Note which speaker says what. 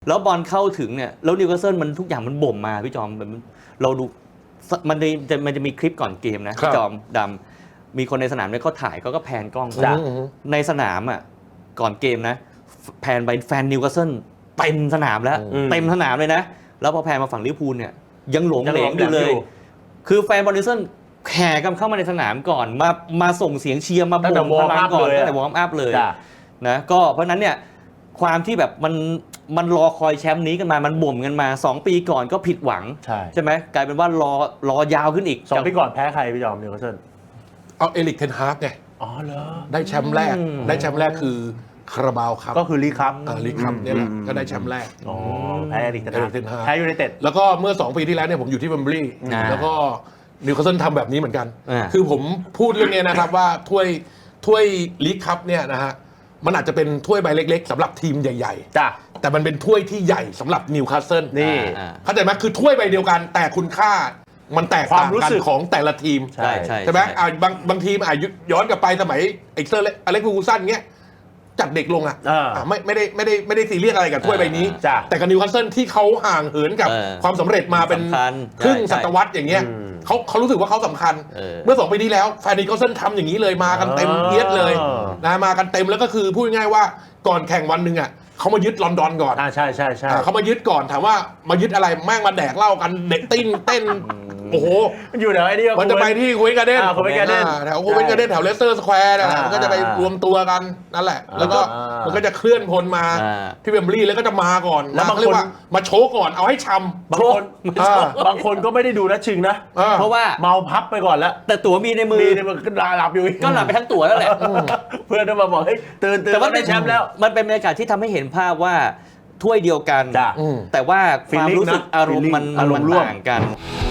Speaker 1: แล้วบอลเข้าถึงเนี่ยแล้วนิวคาสเซิลมันทุกอย่างมันบ่มมาพี่จอมเราดูมันจะมีคลิปก่อนเกมนะพี่จอมดำมีคนในสนามเนี่ยเขาถ่ายก็แพนกล้องในสนามอ่ะก่อนเกมนะแพนไปแฟนนิวคาสเซิลเต็มสนามแล้วเต็มสนามเลยนะแล้วพอแพนมาฝั่งลิเวอร์พูลเนี่ยยังหลงเหลงอยู่เลยคือแฟนบอลนิวคาสเซิลแห่กันเข้ามาในสนามก่อนมาส่งเสียงเชียร์มาบ่มพลังก่อนตั้งแต่วอร์มอัพเลยนะก็เพราะนั้นเนี่ยความที่แบบมันรอคอยแชมป์นี้กันมามันบ่มกันมา2ปีก่อนก็ผิดหวังใช่ไหมกลายเป็นว่ารอยาวขึ้นอีก
Speaker 2: 2ปีก่อนแพ้ใครพี่จอมนิวคาสเซิล
Speaker 3: เอาเอริกเทนฮากไง
Speaker 2: อ๋อเหรอ
Speaker 3: ได้แชมป์แรกคือคาราบาวครับ
Speaker 2: ก็คือลีกครับ
Speaker 3: ลีกครับนี่แหละก็ได้แชมป์แรก
Speaker 2: อ๋อแพ้เอริกเทนฮากแพ้ยูไนเต็ด
Speaker 3: แล้วก็เมื่อ2ปีที่แล้วเนี่ยผมอยู่ที่เวมบลีย์แล้วก็นิวคาสเซิลทำแบบนี้เหมือนกันคือผมพูดเรื่องนี้นะครับว่าถ้วยลีกคัพเนี่ยนะฮะมันอาจจะเป็นถ้วยใบเล็กๆสำหรับทีมใหญ่ๆ
Speaker 2: จ้ะ
Speaker 3: แต่มันเป็นถ้วยที่ใหญ่สำหรับนิวคาสเซิล
Speaker 2: นี่
Speaker 3: เข้าใจไหมคือถ้วยใบเดียวกันแต่คุณค่ามันแตกต่างกันของแต่ละทีมใช่ไหมบางทีมย้อนกลับไปสมัยเอ็กเซอร์อเล็กซ์ฟูกูสันเงี้ยจัดเด็กลงไม่ได้ซีเรียสอะไรกับถ้วยใบนี้แต่กับนิวคาสเซิลที่เขาห่างเหินกับความสำเร็จมาเป็นครึ่งศตวรรษอย่างเงี้ยเขารู้สึกว่าเขาสำคัญเมื่อ2 ปีที่แล้วแฟนนิวคาสเซิลทำอย่างนี้เลยมากันเต็มเอียดเลยนะมากันเต็มแล้วก็คือพูดง่ายๆว่าก่อนแข่งวันหนึ่งอ่ะเขามายึดลอนดอนก่อน
Speaker 2: ใช่
Speaker 3: เขามายึดก่อนถามว่ามายึดอะไรแม่งมาแดกเหล้ากันเด็กเต้นโอ้โห
Speaker 2: มันอยู่แถวไอ้นี่
Speaker 3: มันจะไปที่คูเวนการ์เด้นแถวคูเวนการ์เด้นแถวเลสเตอร์สแควร์มันก็จะไปรวมตัวกันนั่นแหละแล้วก็มันก็จะเคลื่อนพลมาที่เวมบลีย์แล้วก็จะมาก่อนแล้วเรียกว่ามาโชว์ก่อนเอาให้ช้ำ
Speaker 2: บางคนก็ไม่ได้ดูนะชิงนะ
Speaker 1: เพราะว่า
Speaker 2: เมาพับไปก่อนแล้ว
Speaker 1: แต่ตั๋วมีในมือ
Speaker 2: ก็หลับอยู่
Speaker 1: ก็หลับไปทั้งตั๋วแล้วแหละ
Speaker 2: เพื่อนก็มาบอกเฮ้ยตื่น
Speaker 1: แต่ว่าได้แชมป์แล้วมันเป็นบรรยากาศที่ทำให้เห็นภาพว่าถ้วยเดียวกันแต่ว่าความรู้สึกอารมณ์มันต่างกัน